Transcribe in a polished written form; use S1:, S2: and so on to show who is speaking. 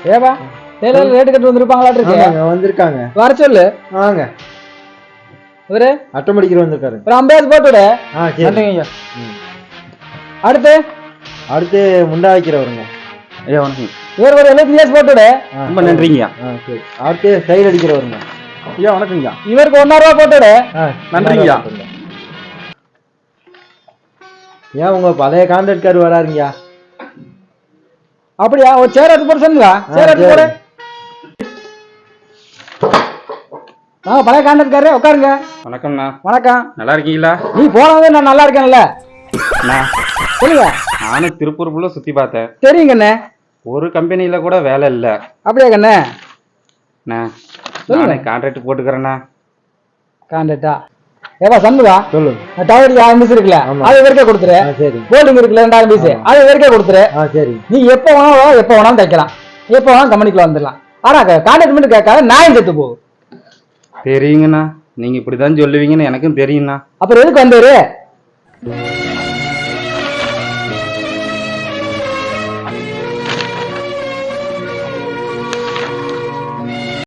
S1: ஏவா Taylor rate கட்டு வந்திருப்பாங்களா இருக்கு
S2: வந்திருக்காங்க.
S1: வர சொல்லு.
S2: வாங்க.
S1: இவரு
S2: ஆட்டோமேட்டிக்கர் வந்திருக்காரு.
S1: ஒரு 50 போட்டு விடு.
S2: சரிங்க.
S1: அடுத்து
S2: அடுத்து முண்டா வைக்கிறவருங்க.
S3: ஐயா வணக்கம்.
S1: இவர் ஒரு 75 போட்டு விடு.
S3: ரொம்ப நன்றிங்கய்யா.
S2: சரி. அடுத்து சைடு அடிக்கிறவருங்க.
S3: ஐயா வணக்கங்கய்யா.
S1: இவருக்கு 1,000 ரூபா போட்டு விடு.
S3: நன்றிங்கய்யா.
S2: ஏன் உங்க பழைய கான்ட்ராக்டர் வராருங்கய்யா?
S1: அப்படியா? ஒரு சேர் எடுத்து போட்டு சொன்னீங்களா? சேர் எடுத்து போடு. பழைய கான்ட்ராக்டர் உட்காருங்க.
S3: வணக்கம்ண்ணா.
S1: வணக்கம்.
S3: நல்லா இருக்கீங்களா?
S1: நீ போனதே நான் நல்லா இருக்கேன்ல. சொல்லுங்க.
S3: நானும் திருப்பூர் ஃபுல்லா சுத்தி பார்த்தேன்.
S1: தெரியுங்கண்ணே.
S3: ஒரு கம்பெனியில கூட வேலை இல்ல.
S1: அப்படியா கண்ணே?
S3: நானே கான்ட்ராக்ட் போட்டுக்கிறேண்ணா.
S1: கான்ட்ராக்டா? ஏவா சண்முகா
S2: சொல்லுங்க.
S1: டவர் 1000 பீஸ் இருக்குல்ல, அது வரைக்கும் கொடுத்துரு.
S2: சரி.
S1: போல்டிங் இருக்குல்ல 2000 பீஸ், அது வரைக்கும் கொடுத்துரு.
S2: சரி.
S1: நீ எப்போ வேணாலும் எப்போ வேணாலும் தைக்கலாம், எப்போ வேணாலும் கம்பெனிக்குள்ள வந்துடலாம். ஆனா கான்ட்ராக்ட் மட்டும் கேட்காத, நாயும் செத்து போகும்.
S3: தெரியுங்கண்ணா, நீங்க இப்படிதான் சொல்லுவீங்கன்னு எனக்கும் தெரியும்ண்ணா.
S1: அப்புறம் எதுக்கு வந்தாரு?